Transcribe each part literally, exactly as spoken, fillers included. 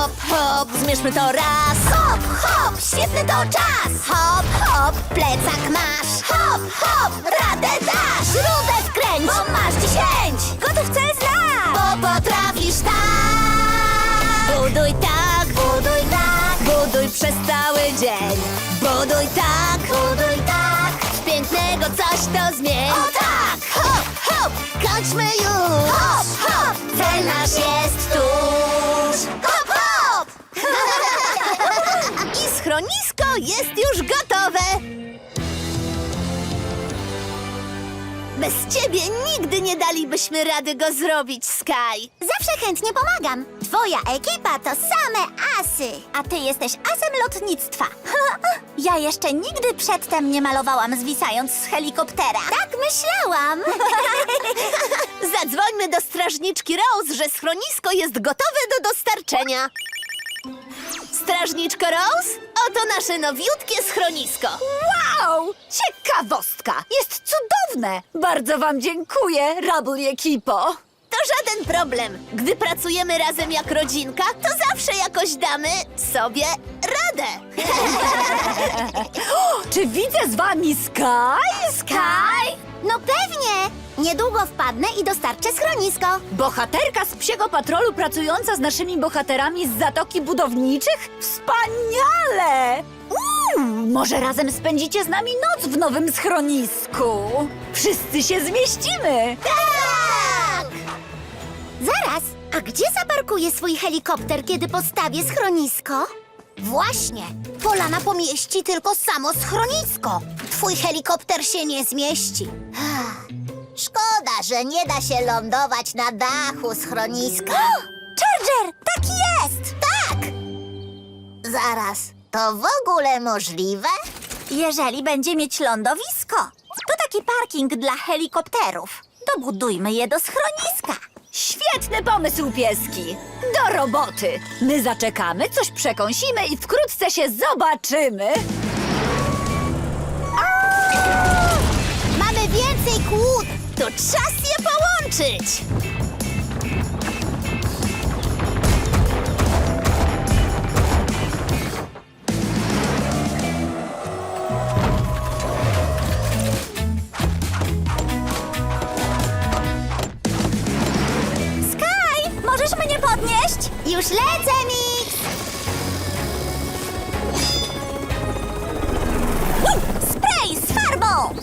Hop, hop, zmierzmy to raz. Hop, hop, świetny to czas. Hop, hop, plecak masz. Hop, hop, radę dasz. Śrubę wkręć, bo masz dziesięć. Gotów cel znak, bo potrafisz tak. Buduj tak, buduj tak, buduj przez cały dzień. Buduj tak, buduj tak, w pięknego coś to zmień. O tak, hop, hop, kończmy już. Hop, hop, cel nasz jest tuż. Hop, hop! I schronisko jest już gotowe. Bez ciebie nigdy nie dalibyśmy rady go zrobić, Sky. Zawsze chętnie pomagam. Twoja ekipa to same asy. A ty jesteś asem lotnictwa. Ja jeszcze nigdy przedtem nie malowałam zwisając z helikoptera. Tak myślałam. Zadzwońmy do strażniczki Rose, że schronisko jest gotowe do dostarczenia. Strażniczko Rose, oto nasze nowiutkie schronisko. Wow! Ciekawostka! Jest cudowne! Bardzo wam dziękuję, Rubble ekipo! To żaden problem. Gdy pracujemy razem jak rodzinka, to zawsze jakoś damy sobie radę. Czy widzę z wami Sky? Sky? No pewnie. Niedługo wpadnę i dostarczę schronisko. Bohaterka z Psiego Patrolu pracująca z naszymi bohaterami z Zatoki Budowniczych? Wspaniale! Uuu, może razem spędzicie z nami noc w nowym schronisku? Wszyscy się zmieścimy! Tak! Zaraz, a gdzie zaparkuję swój helikopter, kiedy postawię schronisko? Właśnie. Polana pomieści tylko samo schronisko. Twój helikopter się nie zmieści. Szkoda, że nie da się lądować na dachu schroniska. Charger, tak jest! Tak! Zaraz, to w ogóle możliwe? Jeżeli będzie mieć lądowisko. To taki parking dla helikopterów. Dobudujmy je do schroniska. Świetny pomysł, pieski! Do roboty! My zaczekamy, coś przekąsimy i wkrótce się zobaczymy! Mamy więcej kłód. To czas je połączyć. Sky, możesz mnie podnieść? Już lecę, Mix! Spray z farbą!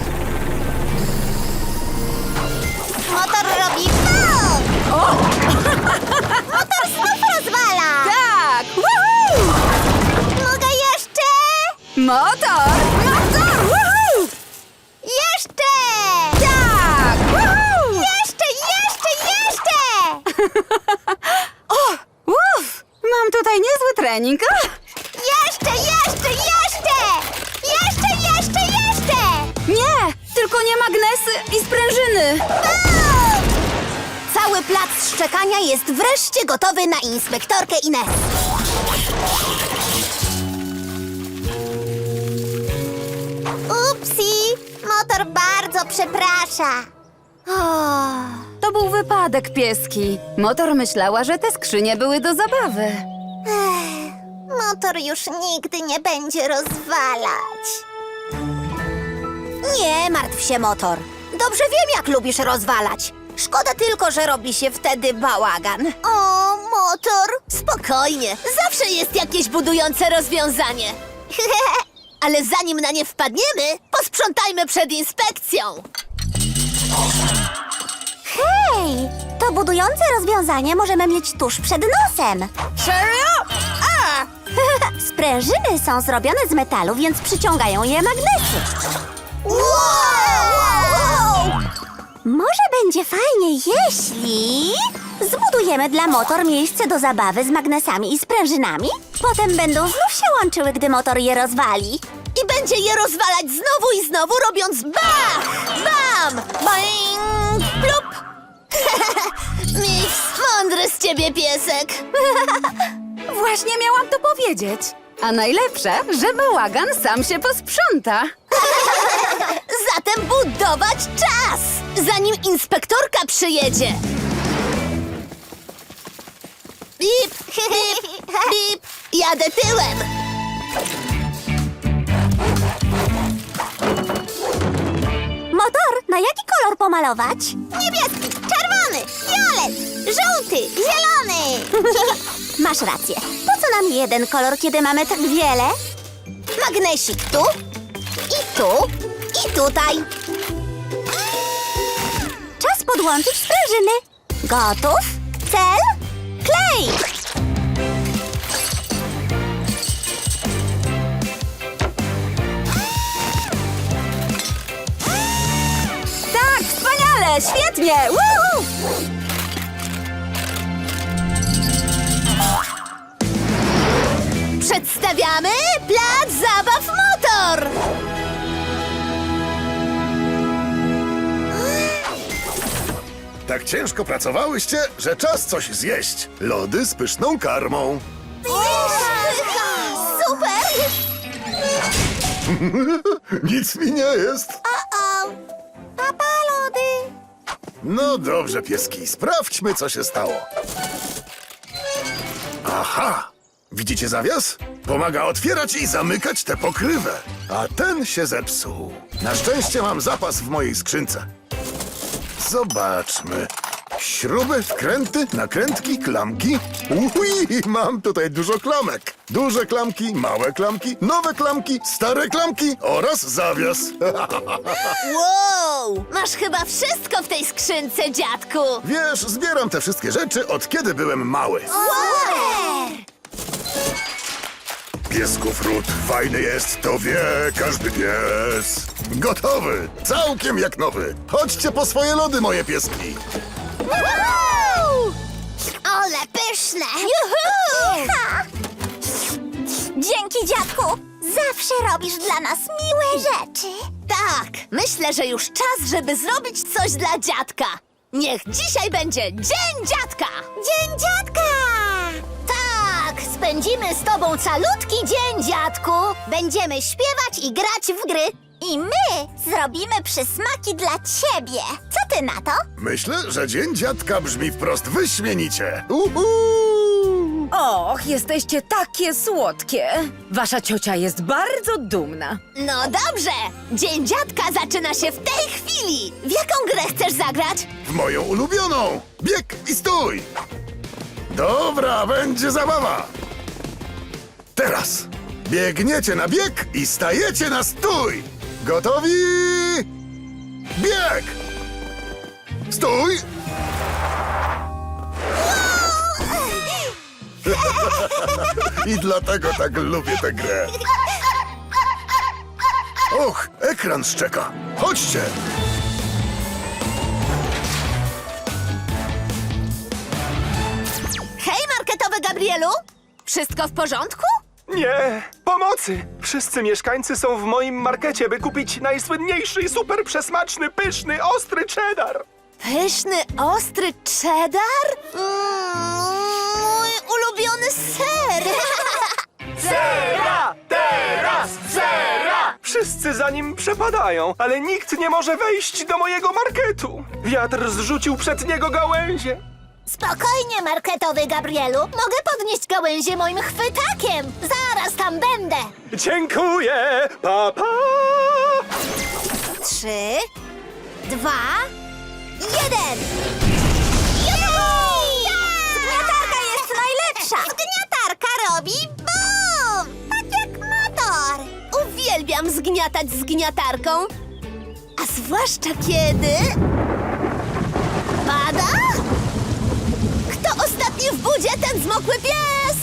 Motor robi bum! Motor znów rozwala! Tak! Woohoo! Mogę jeszcze? Motor! Motor! Woohoo! Jeszcze! Tak! Woohoo! Jeszcze, jeszcze, jeszcze! Uff! Mam tutaj niezły trening. Ah! Jeszcze, jeszcze, jeszcze! Jeszcze, jeszcze, jeszcze! Nie! Tylko nie magnesy i sprężyny! Bum! Cały plac szczekania jest wreszcie gotowy na inspektorkę Ines. Upsi! Motor bardzo przeprasza. To był wypadek, pieski. Motor myślała, że te skrzynie były do zabawy. Ech, motor już nigdy nie będzie rozwalać. Nie martw się, motor. Dobrze wiem, jak lubisz rozwalać. Szkoda tylko, że robi się wtedy bałagan. O, motor! Spokojnie, zawsze jest jakieś budujące rozwiązanie. Ale zanim na nie wpadniemy, posprzątajmy przed inspekcją. Hej! To budujące rozwiązanie możemy mieć tuż przed nosem. Serio? A! Sprężyny są zrobione z metalu, więc przyciągają je magnesy. Wow! Może będzie fajnie, jeśli zbudujemy dla motor miejsce do zabawy z magnesami i sprężynami. Potem będą znów się łączyły, gdy motor je rozwali. I będzie je rozwalać znowu i znowu, robiąc bach! Bam! Boing! Plup! Mix, mądry z ciebie piesek. Właśnie miałam to powiedzieć. A najlepsze, że bałagan sam się posprząta. Zatem budować czas, zanim inspektorka przyjedzie. Bip, bip, Bip, jadę tyłem. Motor, na jaki kolor pomalować? Niebieski, czerwony, fiolet, żółty, zielony. Masz rację. Po co nam jeden kolor, kiedy mamy tak wiele? Magnesik tu, i tu, i tutaj. Czas podłączyć sprężyny. Gotów? Cel? Klej! Tak, wspaniale, świetnie! Woo! Przedstawiamy plac zabaw Motor. Tak ciężko pracowałyście, że czas coś zjeść. Lody z pyszną karmą. Super! Nic mi nie jest. O-o! Papa, lody! No dobrze, pieski, sprawdźmy, co się stało. Aha! Widzicie zawias? Pomaga otwierać i zamykać tę pokrywę. A ten się zepsuł. Na szczęście mam zapas w mojej skrzynce. Zobaczmy. Śruby, wkręty, nakrętki, klamki. Ui, mam tutaj dużo klamek. Duże klamki, małe klamki, nowe klamki, stare klamki oraz zawias. Wow! Masz chyba wszystko w tej skrzynce, dziadku. Wiesz, zbieram te wszystkie rzeczy od kiedy byłem mały. Super! Piesków ród fajny jest, to wie każdy pies. Gotowy, całkiem jak nowy. Chodźcie po swoje lody, moje pieski. Wow! Ole pyszne! Juhu! Dzięki, dziadku! Zawsze robisz dla nas miłe rzeczy. Tak, myślę, że już czas, żeby zrobić coś dla dziadka. Niech dzisiaj będzie Dzień Dziadka! Dzień dziadka! Tak, spędzimy z tobą calutki dzień, dziadku. Będziemy śpiewać i grać w gry. I my zrobimy przysmaki dla ciebie. Co ty na to? Myślę, że Dzień Dziadka brzmi wprost wyśmienicie. Uhu! Och, jesteście takie słodkie. Wasza ciocia jest bardzo dumna. No dobrze, Dzień Dziadka zaczyna się w tej chwili. W jaką grę chcesz zagrać? W moją ulubioną. Bieg i stój. Dobra, będzie zabawa. Teraz biegniecie na bieg i stajecie na stój. Gotowi? Bieg! Stój! I dlatego tak lubię tę grę. Och, ekran szczeka. Chodźcie! Hej, marketowy Gabrielu! Wszystko w porządku? Nie! Pomocy! Wszyscy mieszkańcy są w moim markecie, by kupić najsłynniejszy i super przesmaczny, pyszny, ostry cheddar! Pyszny, ostry cheddar? Mm, mój ulubiony ser! Zera! Teraz! Zera! Wszyscy za nim przepadają, ale nikt nie może wejść do mojego marketu! Wiatr zrzucił przed niego gałęzie! Spokojnie, marketowy Gabrielu. Mogę podnieść gałęzie moim chwytakiem. Zaraz tam będę. Dziękuję! Pa, pa! Trzy, dwa, jeden. Zgniatarka jest najlepsza! Zgniatarka robi bum! Tak jak motor! Uwielbiam zgniatać zgniatarką. A zwłaszcza kiedy... pada? Kto ostatni w budzie, ten zmokły pies!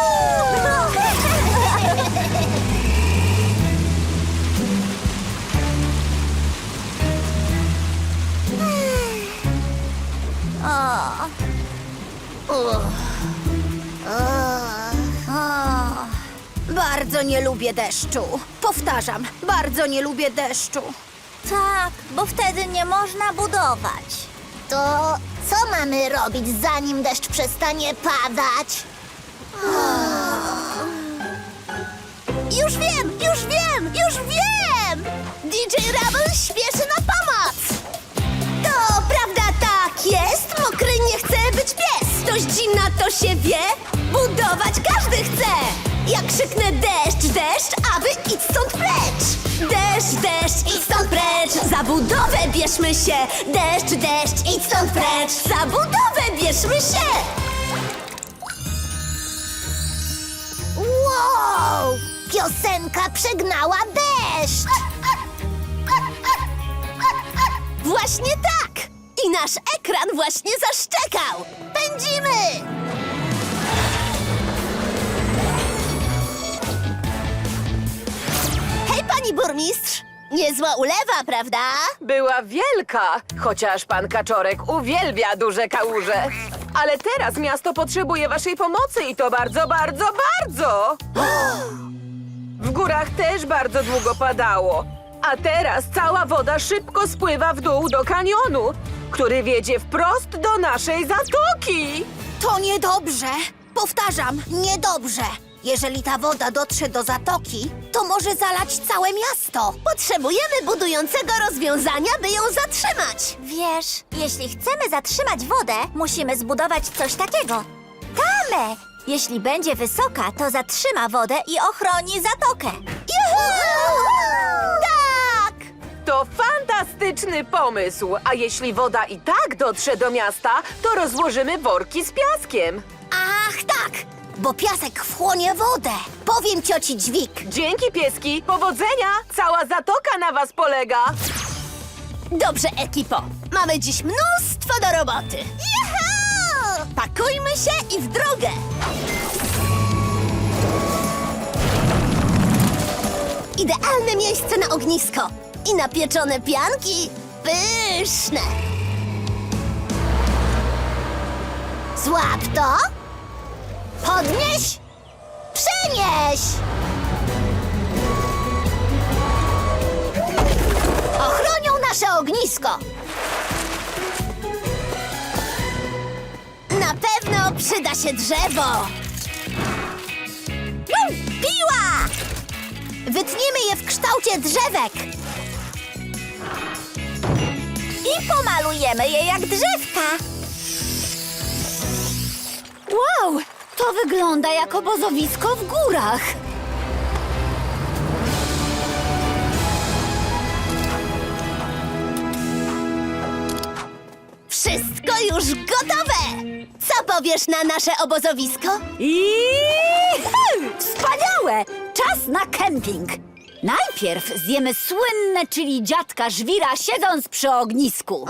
Bardzo nie lubię deszczu. Powtarzam, bardzo nie lubię deszczu. Tak, bo wtedy nie można budować. To co mamy robić, zanim deszcz przestanie padać? Już wiem, już wiem, już wiem! D J Rubble śpieszy na pomoc! To prawda, tak jest, mokry nie chce być pies. Dość zimna, to się wie. Budować każdy chce! Jak krzyknę deszcz, deszcz, a wy idź stąd precz! Deszcz, deszcz, idź stąd precz! Za budowę bierzmy się! Deszcz, deszcz, idź stąd precz! Za budowę bierzmy się! Wow! Piosenka przegnała deszcz! Właśnie tak! I nasz ekran właśnie zaszczekał! Pędzimy! Hej, pani burmistrz! Niezła ulewa, prawda? Była wielka, chociaż pan Kaczorek uwielbia duże kałuże. Ale teraz miasto potrzebuje waszej pomocy i to bardzo, bardzo, bardzo! W górach też bardzo długo padało. A teraz cała woda szybko spływa w dół do kanionu, który wiedzie wprost do naszej zatoki. To niedobrze! Powtarzam, niedobrze! Jeżeli ta woda dotrze do zatoki, to może zalać całe miasto. Potrzebujemy budującego rozwiązania, by ją zatrzymać. Wiesz, jeśli chcemy zatrzymać wodę, musimy zbudować coś takiego. Tamę! Jeśli będzie wysoka, to zatrzyma wodę i ochroni zatokę. Tak! To fantastyczny pomysł, a jeśli woda i tak dotrze do miasta, to rozłożymy worki z piaskiem. Ach, tak! Bo piasek wchłonie wodę. Powiem cioci Dźwig. Dzięki, pieski, powodzenia! Cała zatoka na was polega. Dobrze, ekipo. Mamy dziś mnóstwo do roboty. Juhu! Pakujmy się i w drogę. Idealne miejsce na ognisko. I na pieczone pianki. Pyszne. Złap to. Podnieś. Przenieś. Ochronią nasze ognisko. Na pewno przyda się drzewo. Mm, Piła! Wytniemy je w kształcie drzewek. I pomalujemy je jak drzewka. Wow! To wygląda jak obozowisko w górach. Wszystko już gotowe! Co powiesz na nasze obozowisko? I wspaniałe! Czas na kemping. Najpierw zjemy słynne chili dziadka żwira, siedząc przy ognisku.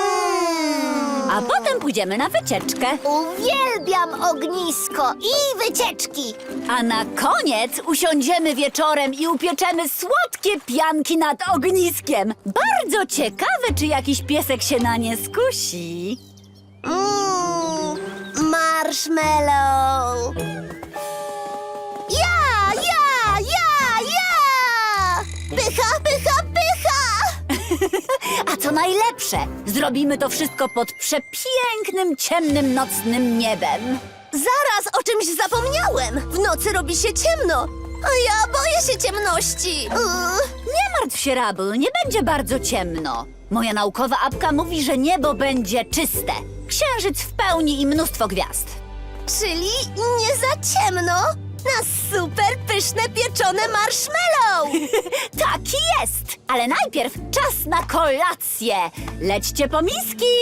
A potem pójdziemy na wycieczkę. Uwielbiam ognisko i wycieczki. A na koniec usiądziemy wieczorem i upieczemy słodkie pianki nad ogniskiem. Bardzo ciekawe, czy jakiś piesek się na nie skusi. Mmm, marshmallow. Ja, ja, ja, ja! Pycha, pycha, pycha! A co najlepsze, zrobimy to wszystko pod przepięknym, ciemnym, nocnym niebem. Zaraz o czymś zapomniałem. W nocy robi się ciemno, a ja boję się ciemności. Uuu. Nie martw się, Rabel, nie będzie bardzo ciemno. Moja naukowa apka mówi, że niebo będzie czyste. Księżyc w pełni i mnóstwo gwiazd. Czyli nie za ciemno na super pyszne pieczone marshmallow. Tak jest! Ale najpierw czas na kolację. Lećcie po miski!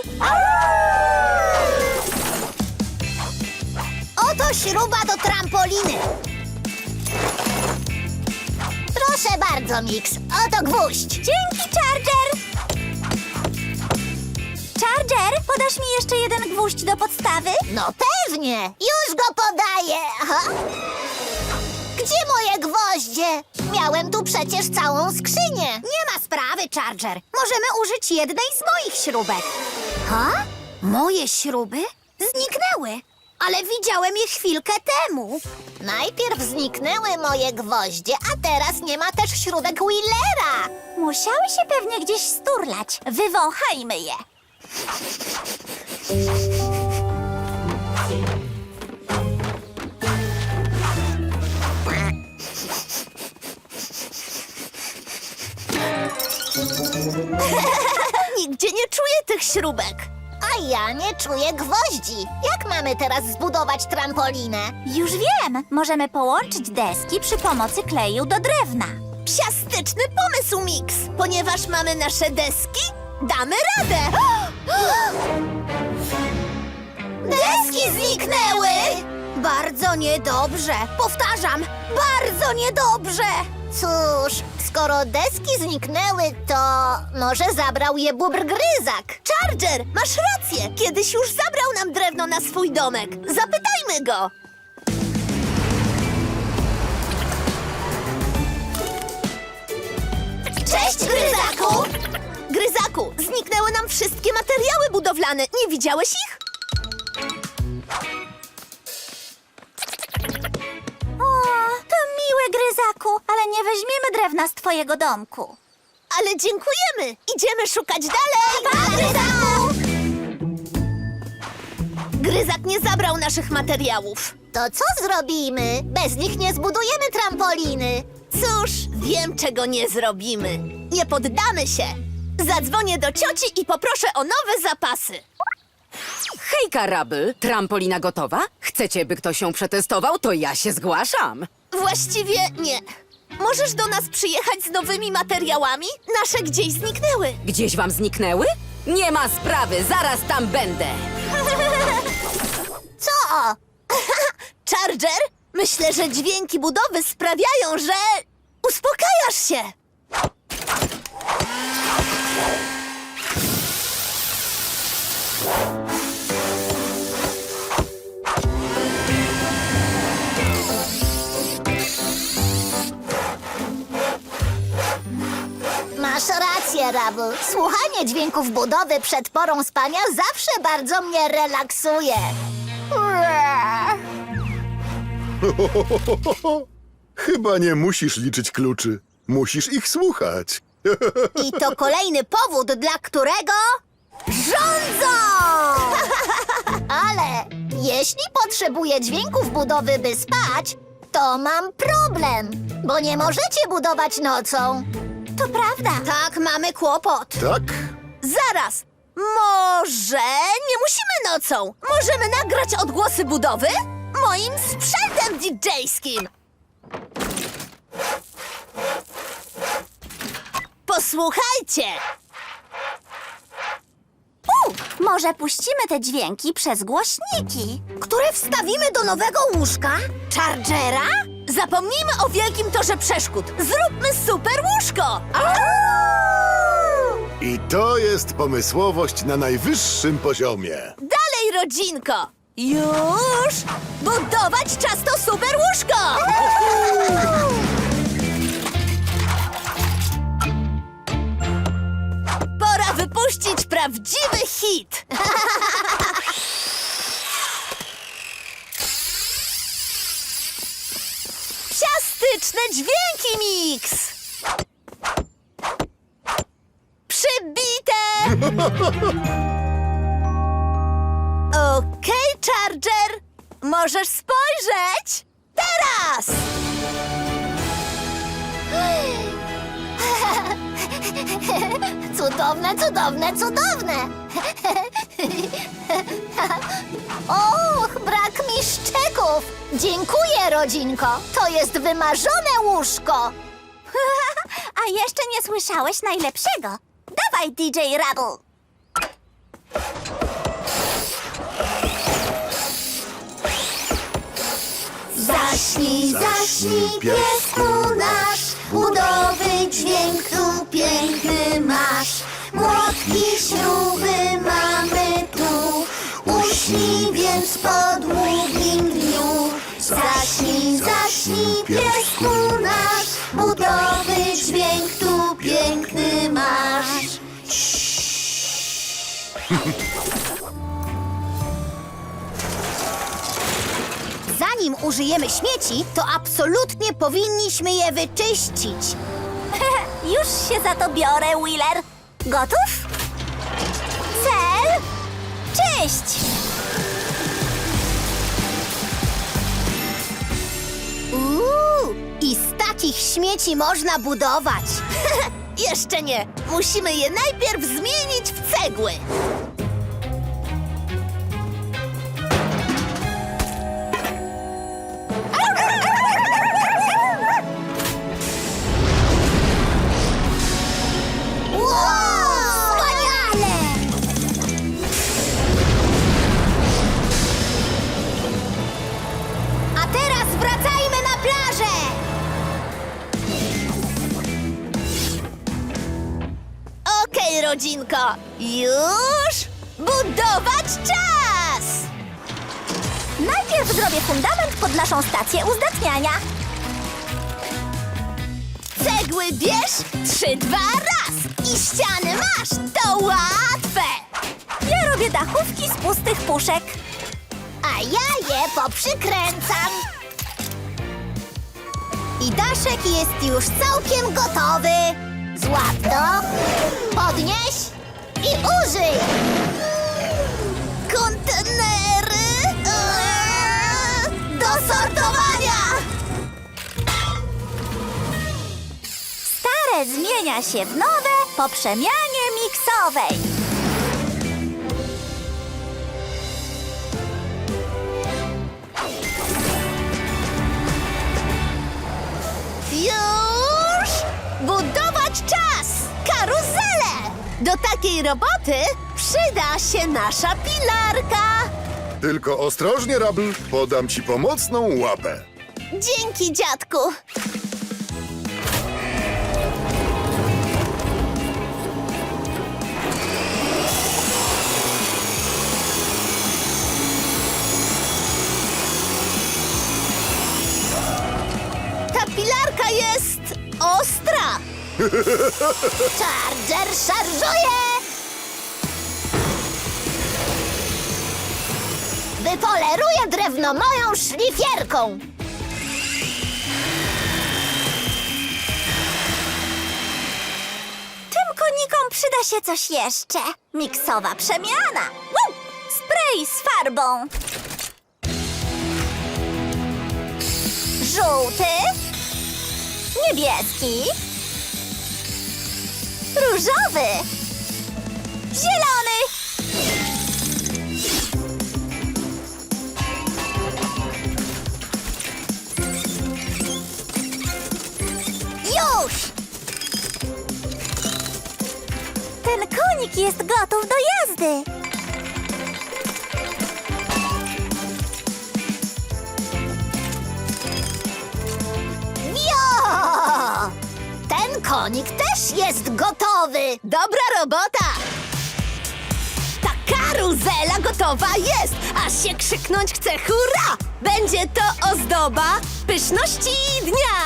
Oto śruba do trampoliny. Proszę bardzo, Mix. Oto gwóźdź. Dzięki, Charger. Charger, podasz mi jeszcze jeden gwóźdź do podstawy? No pewnie. Już go podaję. Aha. Gdzie moje gwoździe? Miałem tu przecież całą skrzynię. Nie ma sprawy, Charger. Możemy użyć jednej z moich śrubek. Ha? Moje śruby? Zniknęły. Ale widziałem je chwilkę temu. Najpierw zniknęły moje gwoździe, a teraz nie ma też śrubek Willera. Musiały się pewnie gdzieś sturlać. Wywąchajmy je. Nigdzie nie czuję tych śrubek. A ja nie czuję gwoździ. Jak mamy teraz zbudować trampolinę? Już wiem! Możemy połączyć deski przy pomocy kleju do drewna. Psiastyczny pomysł, Mix! Ponieważ mamy nasze deski, damy radę! Deski zniknęły! Bardzo niedobrze. Powtarzam, bardzo niedobrze. Cóż, skoro deski zniknęły, to może zabrał je bóbr gryzak. Charger, masz rację. Kiedyś już zabrał nam drewno na swój domek. Zapytajmy go. Cześć, Gryzaku! Gryzaku, zniknęły nam wszystkie materiały budowlane. Nie widziałeś ich? O, to miłe, Gryzaku, ale nie weźmiemy drewna z twojego domku. Ale dziękujemy! Idziemy szukać dalej! Pa, Gryzaku! Gryzak nie zabrał naszych materiałów. To co zrobimy? Bez nich nie zbudujemy trampoliny. Cóż, wiem, czego nie zrobimy. Nie poddamy się. Zadzwonię do cioci i poproszę o nowe zapasy. Hejka, Rabel! Trampolina gotowa? Chcecie, by ktoś ją przetestował? To ja się zgłaszam. Właściwie nie. Możesz do nas przyjechać z nowymi materiałami? Nasze gdzieś zniknęły. Gdzieś wam zniknęły? Nie ma sprawy, zaraz tam będę. Co? Charger? Myślę, że dźwięki budowy sprawiają, że... uspokajasz się. Masz rację, Rabel. Słuchanie dźwięków budowy przed porą spania zawsze bardzo mnie relaksuje. Chyba nie musisz liczyć kluczy. Musisz ich słuchać. I to kolejny powód, dla którego rządzą! Ale jeśli potrzebuję dźwięków budowy, by spać, to mam problem, bo nie możecie budować nocą. To prawda. Tak, mamy kłopot. Tak? Zaraz! Może nie musimy nocą. Możemy nagrać odgłosy budowy moim sprzętem didżejskim. Posłuchajcie! U, może puścimy te dźwięki przez głośniki. Które wstawimy do nowego łóżka? Chargera? Zapomnijmy o wielkim torze przeszkód. Zróbmy super łóżko! I to jest pomysłowość na najwyższym poziomie. Dalej, rodzinko! Już! Budować czas to super łóżko! Pora wypuścić prawdziwy hit! Psiastyczne dźwięki, Mix! Przybite! Okej, Charger, możesz spojrzeć! Teraz! Cudowne, cudowne, cudowne! Och, brak mi szczeków! Dziękuję, rodzinko! To jest wymarzone łóżko! A jeszcze nie słyszałeś najlepszego. Dawaj, D J Rabel. Zaśnij, zaśnij, piesku nasz, budowy dźwięk tu piękny masz. Młotki, śruby mamy tu, uśnij więc po długim dniu. Zaśnij, zaśnij, piesku nasz, budowy dźwięk tu piękny masz. Zanim użyjemy śmieci, to absolutnie powinniśmy je wyczyścić. Już się za to biorę, Wheeler. Gotów? Cel? Czyść! Uuu, i z takich śmieci można budować. Jeszcze nie. Musimy je najpierw zmienić w cegły. rodzinko! Już budować czas! Najpierw zrobię fundament pod naszą stację uzdatniania. Cegły bierz, trzy, dwa, raz! I ściany masz, to łatwe! Ja robię dachówki z pustych puszek. A ja je poprzykręcam. I daszek jest już całkiem gotowy. Złap to, podnieś i użyj. Kontenery eee, do sortowania. Stare zmienia się w nowe po przemianie miksowej. Już budować czas! Karuzelę! Do takiej roboty przyda się nasza pilarka. Tylko ostrożnie, Rubble, podam ci pomocną łapę. Dzięki, dziadku. Ta pilarka jest ostra. Charger szarżuje! Wypoleruję drewno moją szlifierką. Tym konikom przyda się coś jeszcze. Miksowa przemiana. Woo! Spray z farbą. Żółty. Niebieski. Różowy. Zielony. Już! Ten konik jest gotów do jazdy. Jo! Ten konik też jest gotowy. Dobra robota. Ta karuzela gotowa jest, aż się krzyknąć chce hurra! Będzie to ozdoba pyszności dnia.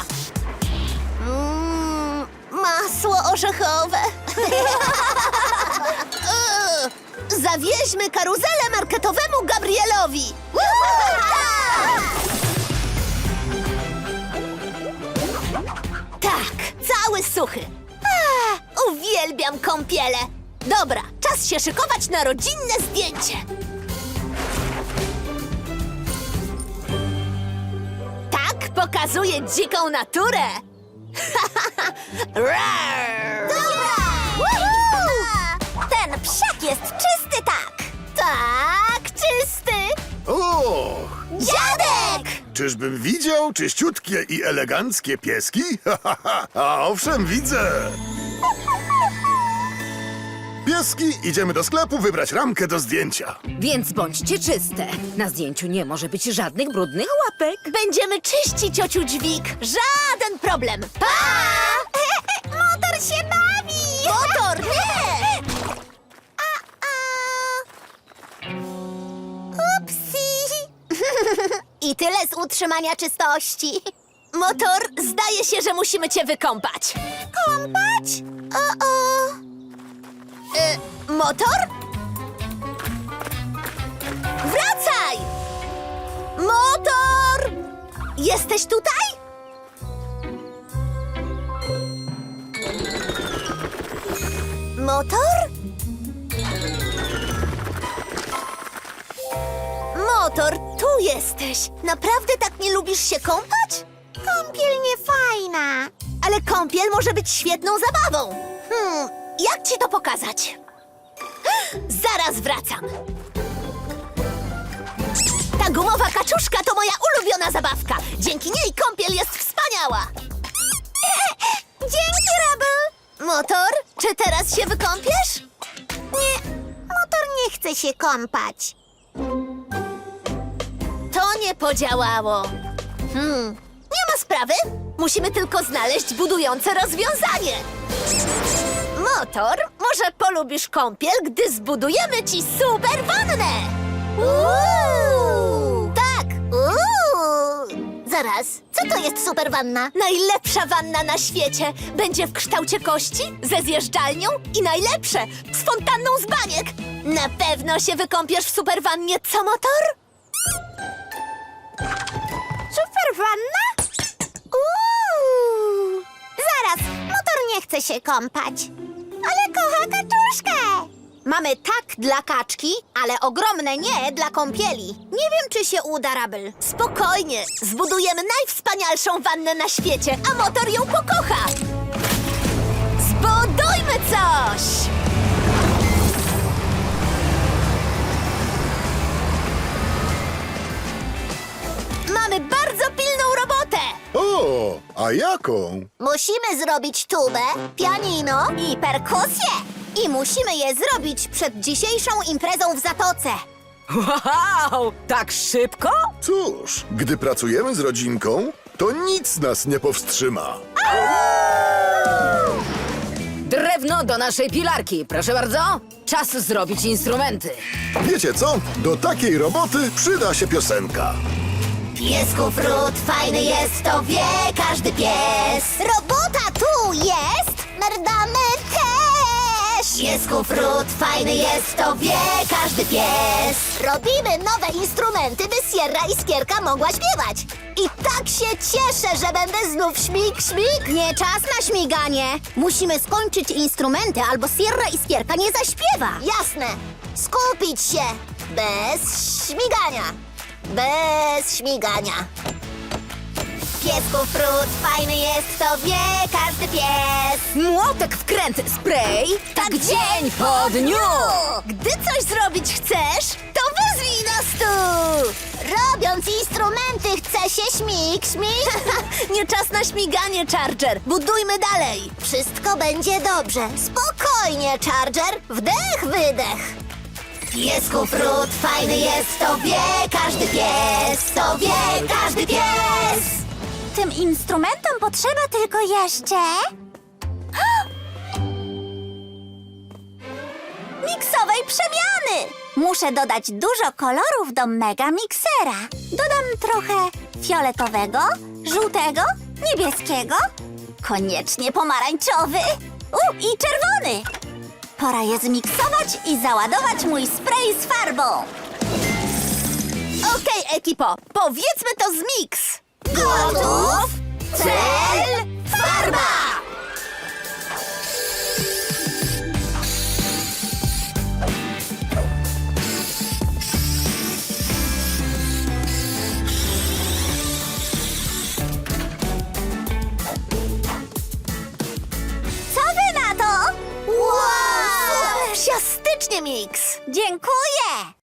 Mm, masło orzechowe. Eee, Zawieźmy karuzelę marketowemu Gabrielowi. Tak, cały suchy. A, uwielbiam kąpiele. Dobra, czas się szykować na rodzinne zdjęcie. Tak pokazuje dziką naturę. Rar! Ten psiak jest czysty, tak. Tak, czysty. O! Dziadek! Czyżbym widział czyściutkie i eleganckie pieski? A owszem, widzę! Pieski, idziemy do sklepu wybrać ramkę do zdjęcia. Więc bądźcie czyste. Na zdjęciu nie może być żadnych brudnych łapek. Będziemy czyścić, ciociu Dźwig. Żaden problem. Pa! Motor się bawi! Motor, nie! A, a. Upsi! I tyle z utrzymania czystości. Motor, zdaje się, że musimy cię wykąpać. Kąpać? O-o. Y, motor? Wracaj! Motor! Jesteś tutaj? Motor? Motor, tu jesteś. Naprawdę tak nie lubisz się kąpać? Kąpiel nie fajna. Ale kąpiel może być świetną zabawą. Hmm, jak ci to pokazać? Zaraz wracam. Ta gumowa kaczuszka to moja ulubiona zabawka. Dzięki niej kąpiel jest wspaniała. Dzięki, Rubble. Motor, czy teraz się wykąpiesz? Nie, motor nie chce się kąpać. To nie podziałało. Hmm, nie ma sprawy. Musimy tylko znaleźć budujące rozwiązanie. Motor Może polubisz kąpiel, gdy zbudujemy ci super wannę! Uuu! Tak! Uuu! Zaraz, co to jest super wanna? Najlepsza wanna na świecie! Będzie w kształcie kości, ze zjeżdżalnią i najlepsze, z fontanną z baniek! Na pewno się wykąpiesz w super wannie, co motor? Super wanna? Uuu! Zaraz, motor nie chce się kąpać. Ale kocha kaczuszkę! Mamy tak dla kaczki, ale ogromne nie dla kąpieli. Nie wiem, czy się uda, Rabel. Spokojnie, zbudujemy najwspanialszą wannę na świecie, a motor ją pokocha. Zbudujmy coś! Mamy bardzo pilną robotę. O, a jaką? Musimy zrobić tubę, pianino I perkusję. I musimy je zrobić przed dzisiejszą imprezą w Zatoce. Wow, tak szybko? Cóż, gdy pracujemy z rodzinką, to nic nas nie powstrzyma. Drewno do naszej pilarki, proszę bardzo. Czas zrobić instrumenty. Wiecie co? Do takiej roboty przyda się piosenka. Piesku frut, fajny jest, to wie każdy pies. Robota tu jest! Merdamy też! Piesku frut, fajny jest, to wie każdy pies. Robimy nowe instrumenty, by Sierra i Skierka mogła śpiewać. I tak się cieszę, że będę znów śmig, śmig. Nie czas na śmiganie. Musimy skończyć instrumenty, albo Sierra i Skierka nie zaśpiewa. Jasne. Skupić się. Bez śmigania. Bez śmigania. Piesku frut, fajny jest, to wie każdy pies. Młotek wkręt spray, tak dzień po dniu. Gdy coś zrobić chcesz, to wezwij nas tu. Robiąc instrumenty chce się śmig, śmig. Nie czas na śmiganie, Charger. Budujmy dalej. Wszystko będzie dobrze. Spokojnie, Charger. Wdech, wydech. Piesku frut, fajny jest, to wie każdy pies. To wie każdy pies. Tym instrumentom potrzeba tylko jeszcze... miksowej przemiany! Muszę dodać dużo kolorów do mega miksera. Dodam trochę fioletowego, żółtego, niebieskiego, koniecznie pomarańczowy u, i czerwony. Pora je zmiksować i załadować mój spray z farbą. Okej, ekipo, powiedzmy to z miks. Gotów? Cel, farba! Co wy na to? Wow! Siastycznie, miks. Dziękuję!